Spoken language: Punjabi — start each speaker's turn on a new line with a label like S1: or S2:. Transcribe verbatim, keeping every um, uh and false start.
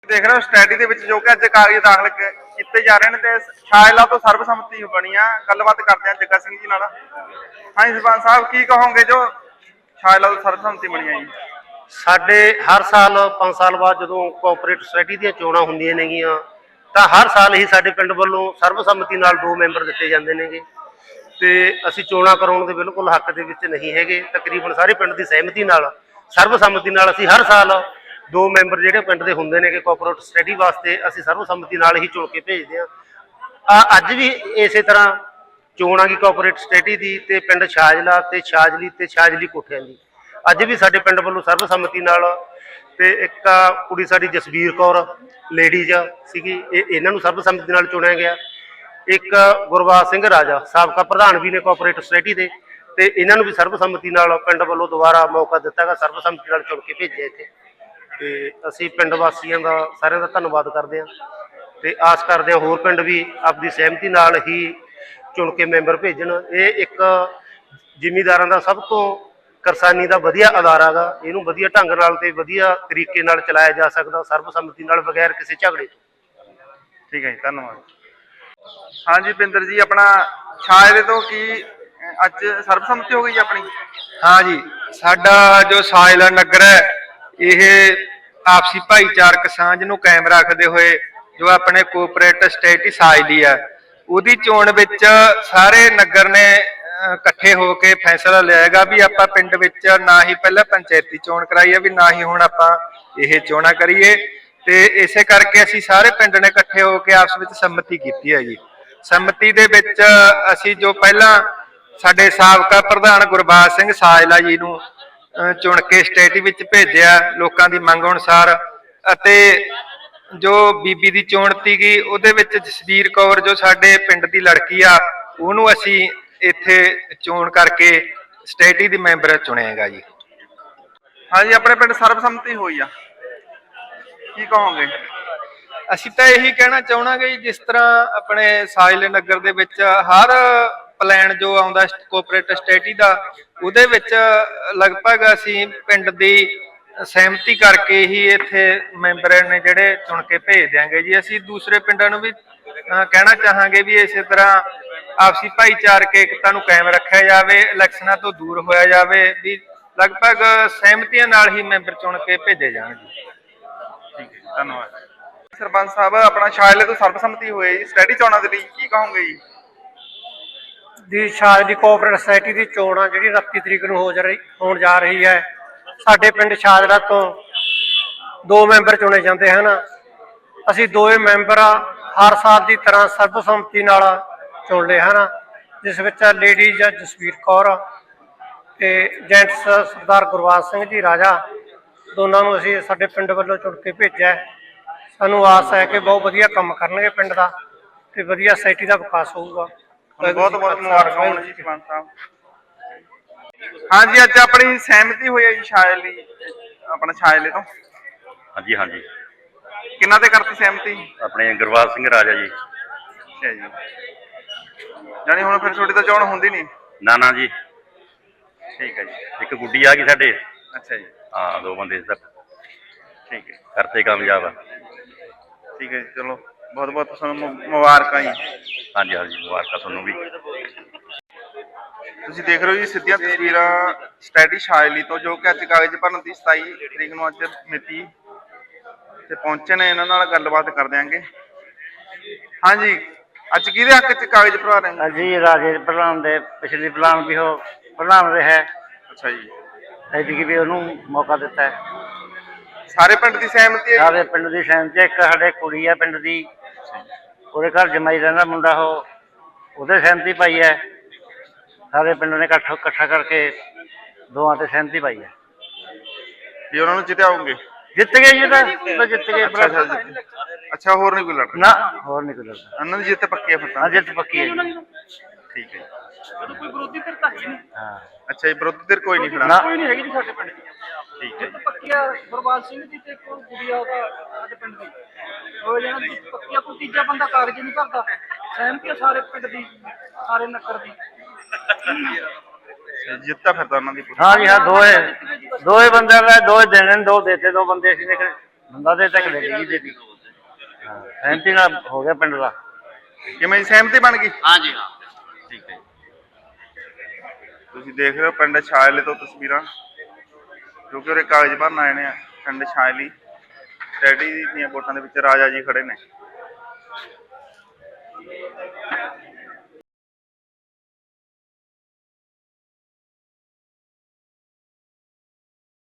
S1: देख रहे हो स्टडी ਦੇ ਵਿੱਚ ਜੋ ਕਿ ਅੱਜ ਕਾਗਜ਼ ਦਾਖਲ ਕੀਤੇ ਜਾ ਰਹੇ ਨੇ ਤੇ ਸ਼ਾਇਲਾ ਤੋਂ ਸਰਬਸੰਮਤੀ ਬਣੀ ਆ। ਗੱਲਬਾਤ ਕਰਦੇ ਆ ਜੱਗਾ ਸਿੰਘ ਜੀ ਨਾਲ। ਹਾਂਜੀ ਸਰਪੰਚ ਸਾਹਿਬ ਕੀ ਕਹੋਗੇ ਜੋ ਸ਼ਾਇਲਾ ਤੋਂ ਸਰਬਸੰਮਤੀ ਬਣੀ ਆ ਜੀ?
S2: ਸਾਡੇ ਹਰ ਸਾਲ ਪੰਜ ਸਾਲ ਬਾਅਦ ਜਦੋਂ ਕੋਆਪਰੇਟਿਵ ਸੁਸਾਇਟੀ ਦੀਆਂ ਚੋਣਾਂ ਹੁੰਦੀਆਂ ਨੇਗੀਆਂ ਤਾਂ ਹਰ ਸਾਲ ਹੀ ਸਾਡੇ ਪਿੰਡ ਵੱਲੋਂ ਸਰਬਸੰਮਤੀ ਨਾਲ ਦੋ ਮੈਂਬਰ ਦਿੱਤੇ ਜਾਂਦੇ ਨੇਗੇ ਤੇ ਅਸੀਂ ਚੋਣਾਂ ਕਰਾਉਣ ਦੇ ਬਿਲਕੁਲ ਹੱਕ ਦੇ ਵਿੱਚ ਨਹੀਂ ਹੈਗੇ। ਤਕਰੀਬਨ ਸਾਰੇ ਪਿੰਡ ਦੀ ਸਹਿਮਤੀ ਨਾਲ ਸਰਬਸੰਮਤੀ ਨਾਲ ਅਸੀਂ ਹਰ ਸਾਲ ਦੋ ਮੈਂਬਰ ਜਿਹੜੇ ਪਿੰਡ ਦੇ ਹੁੰਦੇ ਨੇ ਕਿ ਕੋਆਪਰੇਟਿਵ ਸੁਸਾਇਟੀ ਵਾਸਤੇ ਅਸੀਂ ਸਰਬਸੰਮਤੀ ਨਾਲ ਹੀ ਚੁਣ ਕੇ ਭੇਜਦੇ ਹਾਂ। ਅੱਜ ਵੀ ਇਸੇ ਤਰ੍ਹਾਂ ਚੋਣ ਆ ਗਈ ਕੋਆਪਰੇਟਿਵ ਸੁਸਾਇਟੀ ਦੀ ਤੇ ਪਿੰਡ ਛਾਜਲਾ ਤੇ ਛਾਜਲੀ ਤੇ ਛਾਜਲੀ ਕੋਠਿਆਂ ਦੀ ਅੱਜ ਵੀ ਸਾਡੇ ਪਿੰਡ ਵੱਲੋਂ ਸਰਬਸੰਮਤੀ ਨਾਲ ਤੇ ਇੱਕ ਕੁੜੀ ਸਾਡੀ ਜਸਵੀਰ ਕੌਰ ਲੇਡੀਜ਼ ਸੀਗੀ ਇਹਨਾਂ ਨੂੰ ਸਰਬਸੰਮਤੀ ਨਾਲ ਚੁਣਿਆ ਗਿਆ। ਇੱਕ ਗੁਰਬਾਜ ਸਿੰਘ ਰਾਜਾ ਸਾਬਕਾ ਪ੍ਰਧਾਨ ਵੀ ਨੇ ਕੋਆਪਰੇਟਿਵ ਸੁਸਾਇਟੀ ਦੇ ਤੇ ਇਹਨਾਂ ਨੂੰ ਵੀ ਸਰਬਸੰਮਤੀ ਨਾਲ ਪਿੰਡ ਵੱਲੋਂ ਦੁਬਾਰਾ ਮੌਕਾ ਦਿੱਤਾ ਗਿਆ, ਸਰਬਸੰਮਤੀ ਨਾਲ ਚੁਣ ਕੇ ਭੇਜਿਆ ਇੱਥੇ। ਤੇ ਅਸੀਂ ਪਿੰਡ ਵਾਸੀਆਂ ਦਾ ਸਾਰਿਆਂ ਦਾ ਧੰਨਵਾਦ ਕਰਦੇ ਹਾਂ ਤੇ ਆਸ ਕਰਦੇ ਹਾਂ ਹੋਰ ਪਿੰਡ ਵੀ ਆਪਣੀ ਸਹਿਮਤੀ ਨਾਲ ਹੀ ਚੁਣ ਕੇ ਮੈਂਬਰ ਭੇਜਣ। ਇਹ ਇੱਕ ਜ਼ਿਮੀਂਦਾਰਾਂ ਦਾ ਸਭ ਤੋਂ ਕਿਸਾਨੀ ਦਾ ਵਧੀਆ ਅਦਾਰਾ ਗਾ, ਇਹਨੂੰ ਵਧੀਆ ਢੰਗ ਨਾਲ ਤੇ ਵਧੀਆ ਤਰੀਕੇ ਨਾਲ ਚਲਾਇਆ ਜਾ ਸਕਦਾ ਸਰਬਸੰਮਤੀ ਨਾਲ ਬਗੈਰ ਕਿਸੇ ਝਗੜੇ ਤੋਂ।
S1: ਠੀਕ ਹੈ ਜੀ, ਧੰਨਵਾਦ। ਹਾਂਜੀ ਬਿੰਦਰ ਜੀ, ਆਪਣਾ ਛਾਜਲੇ ਤੋਂ ਕੀ ਅੱਜ ਸਰਬਸੰਮਤੀ ਹੋ ਗਈ ਆਪਣੀ?
S3: हाँ जी, साडा जो छाजला नगर है यह आपसी भाईचारक सांझ नूं कायम रखते हुए जो अपने कोआपरेटिव सुसाइटी छाजली है उहदी चोण विच सारे नगर ने इकट्ठे होकर फैसला लिया गा भी आपां पिंड विच ना ही पहले पंचायती चोण कराई है भी ना ही हुण आपां इह चोणां करिए ते इसे करके असीं सारे पिंड ने इकट्ठे होकर आपस विच सम्मति कीती है जी। सम्मति दे विच असीं जो पहलां साडे साबका प्रधान गुरबाज सिंह साजला जी नूं चुन के सुसाइटी विच भेजिया लोकां दी मंग अनुसार अते जो बीबी दी चोण सीगी उहदे विच जसवीर कौर जो साडे पिंड दी लड़की आ उहनूं असीं इत्थे चोण करके सुसाइटी दी मैंबर चुणेगा जी।
S1: हाँ जी, अपने पिंड सर्बसम्मति हुई आ, की कहोगे?
S3: असीं तां यही कहना चाहांगे जी जिस तरह अपने छाजले नगर दे विच हर प्लान जो आउंदा कोआपरेटिव सुसाइटी दा उहदे विच लगभग असीं पिंड दी सहमति करके ही इत्थे मैंबर ने जिहड़े चुन के भेज देंगे जी। असीं दूसरे पिंडां नूं भी कहना चाहांगे भी इस तरह आपसी भाईचारक एकता नूं कायम रखिया जावे, इलैक्शनां तो दूर होया जावे भी लगभग सहमतियां नाल ही मैंबर चुन के भेजे जाण जी।
S1: ठीक है, धन्यवाद। सरपंच साहब, अपना छाजले तो सर्बसम्मति होई जी, सुसाइटी चोणां दे लई की कहोगे जी?
S4: ਦੀ ਛਾਜਲੀ ਕੋਆਪਰੇਟਿਵ ਸੁਸਾਇਟੀ ਦੀ ਚੋਣ ਆ ਜਿਹੜੀ ਉਨੱਤੀ ਤਰੀਕ ਨੂੰ ਹੋ ਜਾ ਰਹੀ ਹੋਣ ਜਾ ਰਹੀ ਹੈ। ਸਾਡੇ ਪਿੰਡ ਛਾਜਲਾ ਤੋਂ ਦੋ ਮੈਂਬਰ ਚੁਣੇ ਜਾਂਦੇ ਹਨ। ਅਸੀਂ ਦੋਵੇਂ ਮੈਂਬਰ ਹਰ ਸਾਲ ਦੀ ਤਰ੍ਹਾਂ ਸਰਬਸੰਮਤੀ ਨਾਲ ਚੁਣ ਲਏ ਹਨ, ਜਿਸ ਵਿੱਚ ਲੇਡੀਜ਼ ਜਸਵੀਰ ਕੌਰ ਤੇ ਜੈਂਟਸ ਸਰਦਾਰ ਗੁਰਬਾਜ ਸਿੰਘ ਜੀ ਰਾਜਾ ਦੋਨਾਂ ਨੂੰ ਅਸੀਂ ਸਾਡੇ ਪਿੰਡ ਵੱਲੋਂ ਚੁਣ ਕੇ ਭੇਜਿਆ। ਸਾਨੂੰ ਆਸ ਹੈ ਕਿ ਬਹੁਤ ਵਧੀਆ ਕੰਮ ਕਰਨਗੇ ਪਿੰਡ ਦਾ ਤੇ ਵਧੀਆ ਸੁਸਾਇਟੀ ਦਾ ਵਿਕਾਸ ਹੋਊਗਾ।
S1: बहुत बहुत मुबारक होण जी सरपंच साहब। हाँ जी, अज अपनी सहमति हुई है जी छाजली अपना छाजले तो?
S5: हाँ जी, हाँ जी।
S1: किन्ना ते करती सहमति?
S5: अपने गुरबाज सिंह राजा जी।
S1: अच्छा जी, जानी हुण फिर थोड़ी तो चोण हुंदी नहीं?
S5: ना ना जी।
S1: ठीक है जी।
S5: एक गुड्डी आ गई साडे।
S1: अच्छा जी।
S5: हाँ, दो बंदे तक
S1: ठीक है,
S5: करते कामयाब।
S1: ठीक है, चलो बहुत बहुत तुहानूं मुबारक जी।
S5: हाँ जी, हाँ जी, मुबारक तुहानूं भी।
S1: ਤੁਸੀਂ ਦੇਖ ਰਹੇ ਹੋ ਜੀ ਸਿੱਧੀਆਂ ਤਸਵੀਰਾਂ ਸੁਸਾਇਟੀ ਛਾਜਲੀ ਤੋਂ ਜੋ ਕਿ ਅੱਜ ਕਾਗਜ਼ ਭਰਨ ਦੀ ਸਤਾਈ ਤਰੀਕ ਨੂੰ ਅੱਜ ਮਿਤੀ ਤੇ ਪਹੁੰਚੇ ਨੇ। ਇਹਨਾਂ ਨਾਲ ਗੱਲਬਾਤ ਕਰ ਦਿਆਂਗੇ। ਹਾਂਜੀ, ਅੱਜ ਕਿਹਦੇ ਹੱਕ 'ਚ ਕਾਗਜ਼ ਭਰਾ ਰਹੇ ਹੋ?
S2: ਜੀ ਰਾਜੇ ਪ੍ਰਧਾਨ ਦੇ ਪਿਛਲੀ ਪ੍ਰਧਾਨ ਵੀ ਉਹ ਪ੍ਰਧਾਨ ਰਿਹਾ।
S1: ਅੱਛਾ ਜੀ,
S2: ਐਤਕੀ ਵੀ ਉਹਨੂੰ ਮੌਕਾ ਦਿੱਤਾ ਹੈ।
S1: ਸਾਰੇ ਪਿੰਡ ਦੀ ਸਹਿਮਤੀ ਹੈ?
S2: ਸਾਰੇ ਪਿੰਡ ਦੀ ਸਹਿਮਤੀ। ਇੱਕ ਸਾਡੇ ਕੁੜੀ ਆ ਪਿੰਡ ਦੀ, ਉਹਦੇ ਘਰ ਜਮਾਈ ਰਹਿੰਦਾ ਮੁੰਡਾ, ਉਹ ਉਹਦੇ ਸਹਿਮਤੀ ਪਾਈ ਹੈ। ਸਾਰੇ ਪਿੰਡ ਨੇ ਇਕੱਠ ਇਕੱਠਾ ਕਰਕੇ ਦੋਵਾਂ ਤੇ ਸਹਿਮਤੀ ਪਾਈ ਹੈ
S1: ਵੀ ਉਹਨਾਂ ਨੂੰ ਜਿਤਾਓਗੇ?
S2: ਜਿੱਤ ਗਏ ਜੀ, ਤਾਂ ਜਿੱਤ ਗਏ।
S1: ਅੱਛਾ, ਹੋਰ ਨਹੀਂ ਕੋਈ ਲੜਦਾ?
S2: ਨਾ, ਹੋਰ ਨਹੀਂ ਕੋਈ ਲੜਦਾ।
S1: ਉਹਨਾਂ ਦੀ ਜਿੱਤ ਪੱਕੀ ਹੈ ਫਿਰ ਤਾਂ?
S2: ਹਾਂ, ਜਿੱਤ ਪੱਕੀ ਹੈ ਜੀ।
S1: ਠੀਕ ਹੈ ਜੀ।
S4: ਕੋਈ ਵਿਰੋਧੀ ਧਿਰ ਤਾਂ ਹੈ ਨਹੀਂ।
S2: ਹਾਂ,
S1: ਅੱਛਾ ਜੀ, ਵਿਰੋਧੀ ਧਿਰ ਕੋਈ ਨਹੀਂ ਖੜਾ?
S4: ਕੋਈ ਨਹੀਂ ਹੈਗੀ ਜੀ ਸਾਡੇ ਪਿੰਡ ਦੀ।
S1: ਠੀਕ ਹੈ ਜੀ।
S4: ਪੱਕੀਆ ਗੁਰਬਾਜ ਸਿੰਘ ਜੀ ਤੇ ਕੋਈ ਗੁੜੀਆ ਉਹਦਾ ਸਾਡੇ ਪਿੰਡ ਦੀ ਹੋ ਜਾਣਾ ਪੱਕੀਆ। ਕੋਈ ਤੀਜਾ ਬੰਦਾ ਕਾਗਜ਼ ਨਹੀਂ ਭਰਦਾ। ਸਹਿਮਤੀ ਸਾਰੇ ਪਿੰਡ ਦੀ, ਸਾਰੇ ਨਗਰ ਦੀ।
S1: ਜਿੱਤਾ ਫਿਰ ਤਾਂ ਉਹਨਾਂ ਦੀ?
S2: ਹਾਂ ਜੀ, ਹਾਂ। ਦੋਏ ਦੋਏ ਬੰਦਿਆਂ ਦਾ ਦੋਏ ਦੇਣੇ, ਦੋ ਦੇਤੇ, ਦੋ ਬੰਦੇ ਅਸੀਂ ਨੇ ਬੰਦਾ ਦੇ ਤੱਕ ਦੇ ਜੀ ਦੇ ਹਾਂ ਸਹਿਮਤੀ ਨਾਲ ਹੋ ਗਿਆ ਪਿੰਡ ਦਾ।
S1: ਕਿਵੇਂ ਜੀ, ਸਹਿਮਤੀ ਬਣ ਗਈ?
S5: ਹਾਂਜੀ ਹਾਂ ਠੀਕ ਹੈ
S1: ਤੁਸੀਂ ਦੇਖ ਰਹੇ ਹੋ ਪਿੰਡ ਛਾਜਲੇ ਤੋਂ ਤਸਵੀਰਾਂ, ਜੋ ਕਿ ਉਰੇ ਕਾਗਜ਼ ਭਰਨ ਆਏ ਨੇ ਪਿੰਡ ਛਾਜਲੀ। ਸਟੈਡੀ ਦੀਆਂ ਵੋਟਾਂ ਦੇ ਵਿੱਚ ਰਾਜਾ ਜੀ ਖੜੇ ਨੇ।